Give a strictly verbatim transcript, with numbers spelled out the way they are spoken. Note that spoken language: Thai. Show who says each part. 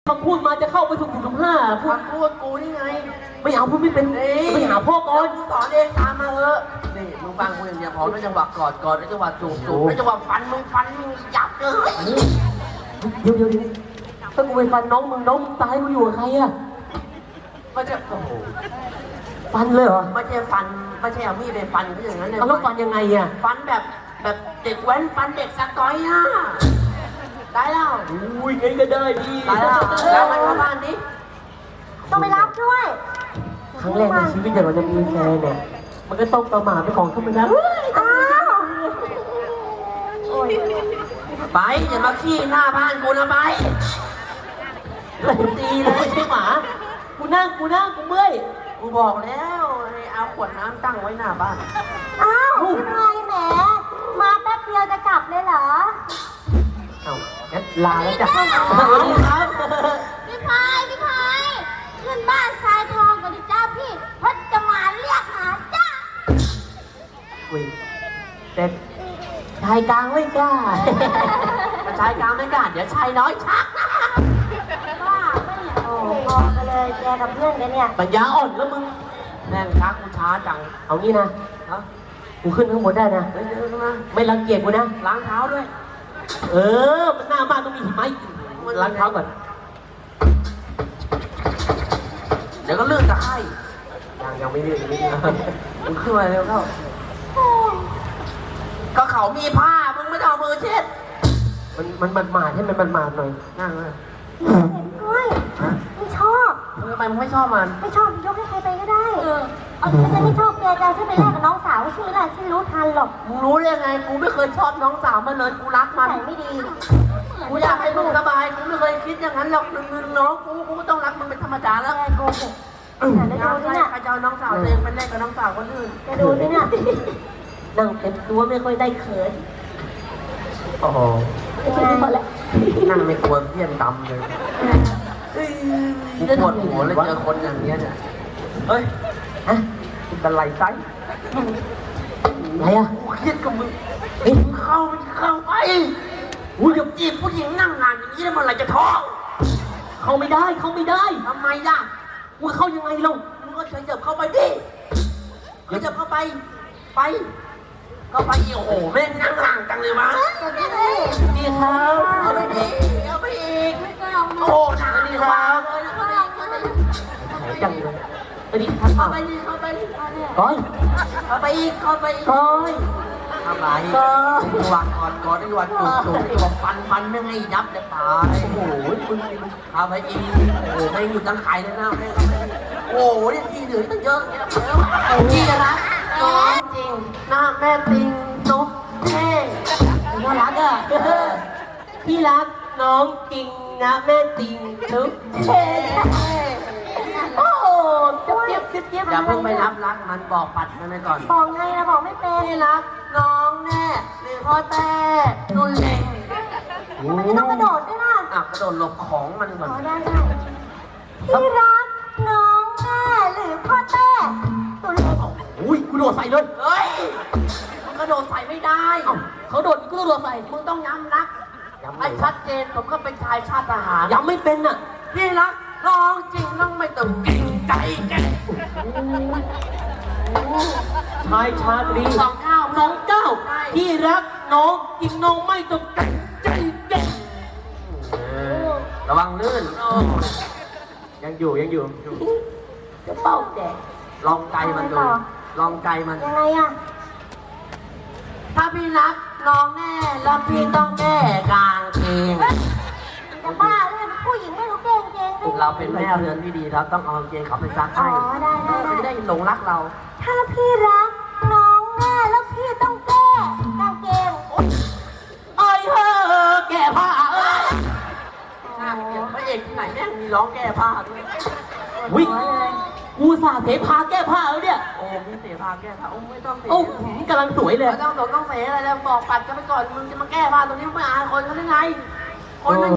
Speaker 1: คำพูดมาจะเข้าไปสุ่มสุ่มห้าพูด
Speaker 2: คำพูดกูนี่ไง
Speaker 1: ไม่เอาพูดไม่เป็นไปหาพ่อก่อน
Speaker 2: กูสอนเองตามมาเถอะนี่มึงฟังกูอย่างเดียวพอด้วยจังหวะกอดกอดด้วยจังหวะจูบจูบด้วยจังหวะฟันมึงฟันมึงยับเลย
Speaker 1: เดี๋ยวเดี๋ยวเดี๋ยวถ้ากูไปฟันน้องมึงน้องมึงตายกูอยู่กับใครอะ
Speaker 2: ไม่ใช่โอ้โห
Speaker 1: ฟันเลยเหรอ
Speaker 2: ไม่ใช่ฟันไม่ใช่เอามีดไปฟันเขาอย่างนั้นเลย
Speaker 1: เอาแล้วฟันยังไงอะ
Speaker 2: ฟันแบบแบบเด็กแว้นฟันเด็กสกอยอ่ะได้แล้ว
Speaker 1: อุ้ยงั้นก็ได้ดี
Speaker 2: ได้แล้วแล้วไปเข้าบ้านนี้
Speaker 3: ต้องไปรับด้วย
Speaker 1: ครั้งแรกในชีวิตแต่เราจะมีแฟนเนี่ยมันก็ต้องประมาทไปของธรรมดา
Speaker 3: อ้าวโอ้ย
Speaker 2: ไปอย่ามาขี้หน้าบ้านกูนะไป
Speaker 1: ดีเลยไม่ใช่หมากูนั่งกูนั่งกูเมื่อย
Speaker 2: กูบอกแล้วให้เอาขวดน้ำตั้งไว้หน้าบ้าน
Speaker 3: อ้าวพี่พายแหม มาแป๊บเดียวจะกลับเลยเหรอ
Speaker 1: เอ้างั้นลาแล้วจ้ะสวัสดีครับ
Speaker 3: พี่พายพี่พายขึ้นบ้านทรายทองก่อนดิจ้าพี่เพราะจะมาเรียกหาจ้า
Speaker 1: อุ้ยแต่ชายกลางไม่กล้า
Speaker 2: ถ้าชายกลางไม่กล้าเดี๋ยวชายน้อยชัก
Speaker 3: บ้าไม่เนี่ยโอ้บอกไปเลยแกกับเพื่อนแกเนี่ย
Speaker 1: ปัญญาอ่อนแล้วมึง
Speaker 2: แม่งชักกูช้าจัง
Speaker 1: เอางี้นะ
Speaker 2: ฮะ
Speaker 1: กูขึ้นข้างบนได้นะ
Speaker 2: เฮ้ยเดี๋ยวนะ
Speaker 1: ไม่รังเกียจกูนะ
Speaker 2: ล้างเท้าด้วย
Speaker 1: เออ มันหน้าบ้านต้องมีหิมะอีกล้างเท้าก่อน
Speaker 2: เดี๋ยวก็เลื่อนตะไคร่
Speaker 1: ยังยังไม่เรียกยังไม่เรียก
Speaker 2: มึงขึ้นมาเร็วเข้าก็เขามีผ้ามึงไม่ต้องเอามือเช็ด
Speaker 1: มันมันมันหมาดให้มันมันหมาดหน่อย
Speaker 2: นั่งเลย
Speaker 3: เฮ้ยไม่ชอบ
Speaker 2: มึงทำไมมึงไม่ชอบมัน
Speaker 3: ไม่ชอบยกให้ใครไปก็ได้ เออเอาถ้าฉันไม่ชอบแกจะเอาฉันไปแลกกับน้องสาวชื่ออะไรฉันรู้ทันหรอก
Speaker 2: มึงรู้ได้ไงกูไม่เคยชอบน้องสาวมันเลยกูรักมัน
Speaker 3: ใส่ไม่ดี
Speaker 2: กูอยากให้มึงสบายกูไม่เคยคิดอย่างนั้นหรอกมึงน้องกูกูก็ต้องรักมึงเป็นธรรมดาแล้ว
Speaker 3: แกโกหกแต่แล้ว
Speaker 2: ใคร
Speaker 3: ดูสิเนี่ย
Speaker 2: ใครจะเอาน้องสาวตัวเองไปเล่นกับน้องสาวคนอื่น
Speaker 3: แกดูสิเนี่ย
Speaker 1: นั่งเต็มตัวไม่ค่อยได้เขินโอ้โห
Speaker 3: เป็นไงหมดแล้ว
Speaker 2: นั่งไม่กลัวเพี้ยนดำเลยกูปวดหัวเลยเจอคนอย่างเงี้ยเนี่ยเฮ้ย
Speaker 1: ฮะ
Speaker 2: มึงเป็นไรไซ
Speaker 1: อะไรอ่ะ
Speaker 2: กูเครียดกับมึง
Speaker 1: เฮ้ย
Speaker 2: มึงเข้ามึงเข้าไปกูจะจีบผู้หญิงนั่งงานอย่างนี้แล้วเมื่อไหร่จะท้อง
Speaker 1: เข้าไม่ได้เข้าไม่ได้
Speaker 2: ทำไมล่ะ
Speaker 1: กูเข้ายังไงเล่า
Speaker 2: มึงก็เฉยๆเข้าไปดิเฉยๆเข้าไปไปก็ไปอีกโอ้โหแม่งนั่งห่างจังเลยวะ
Speaker 1: ดีครับ
Speaker 2: เอาไปดิเอาไปอีกโอ้โหหนาดีครับเลยนะ
Speaker 1: หายจังเลยสวัสดีครับ
Speaker 2: เข้าไปดิเข้าไปดิ
Speaker 1: ก้อย
Speaker 2: เข้าไปอีกเข้าไปอีก
Speaker 1: ก้อย
Speaker 2: ทำไรจังหวะกอดกอดจังหวะจูบจูบจังหวะฟันฟันไม่ให้ยับเดี๋ยวตาย
Speaker 1: โอ้โหมึง
Speaker 2: เอาไปอีกโอ้โหไม่หยุดตั้งไข่เลยนะแม่โอ้โหนี่ที่เหลือตั้งเยอะแยะแล้วที่จะรักน้องจริงหน้าแม่ติงนกเท่
Speaker 1: น่ารักอ่ะพี่รักน้องจริงนะแม่ติงทุกเท่โอ้โหเจี๊ยบเจี๊ยบเจี๊ยบ
Speaker 2: อย่าเพิ่งไปรับรักมันบอกปัดมันไปก่อน
Speaker 3: บอกไงนะบอกไม่เป็น
Speaker 2: ที่รักน้องแน่หรือพ่อแต่นุ่นเล็ง
Speaker 3: มันจะต้องกระโดดด้วยล่ะ
Speaker 2: อ่ะกระโดดหลบของมันก่อน
Speaker 3: อ๋อได้ได้พี่รักน้องแม่หรือพ่อแต้ตัวเล็ก
Speaker 1: อุ้ยกูโดดใส่เลย
Speaker 2: เฮ้ยมันกระโดดใส่ไม่ได้
Speaker 1: เอ้าเขาโดดกูก็โดดใส่
Speaker 2: มึงต้องย้ำรักให้ชัดเจนผมก็เป็นชายชาติทหาร
Speaker 1: ยังไม่เป็นอ่ะ
Speaker 2: พี่รักน้องจริงต้องไม่ต้องเก่งใจแก
Speaker 1: ชายชาตรี
Speaker 2: สองเก้า
Speaker 1: สองเก้าที่รักน้องจริงน้องไม่ต้องแต่งใจแก่
Speaker 2: ระวังลื่น
Speaker 1: ยังอยู่ยังอยู่
Speaker 3: จะเป่าแดก
Speaker 2: ลองใจมันดู ลองใจมัน
Speaker 3: ยังไงอะ
Speaker 2: ถ้าพี่รักน้องแน่แล้วพี่ต้องแก้กางเกง
Speaker 3: จะบ้าเลยผู้หญิงไม่รู้เก่งเก่งด้วย
Speaker 2: เราเป็นแม่เรือนที่ดีเราต้องเอากางเกงเขาไปซัก
Speaker 3: อ๋อ
Speaker 2: ให้
Speaker 3: ได้ได้
Speaker 2: เขาจะ
Speaker 3: ได้
Speaker 2: ได้หลงรักเรา
Speaker 3: ถ้าพี่รักน้องแม่แล้วพี่ต้องแก้กางเกง
Speaker 1: เอ้ยเฮ้อแก่ผ้าเอ้ย
Speaker 2: น่าเกลียดพระเอกที่ไหนแม่งมีร้องแก้ผ้าด้วย
Speaker 1: วิ่ง
Speaker 3: หัวเลย
Speaker 1: กูสาเสพาแก้ผ้าแล้วเนี่ย
Speaker 2: โอ้มีเสียผ้าแก้ผ้าโอ้ไม่ต้องเสีย
Speaker 1: โอ้หืมกำลังสวยเลย
Speaker 2: ไม่ต้องสนต้องเสียอะไรแล้วบอกปัดกันไปก่อนมึงจะมาแก้ผ้าตรงนี้มึงไม่อายคนเขาได้ไงคนมัน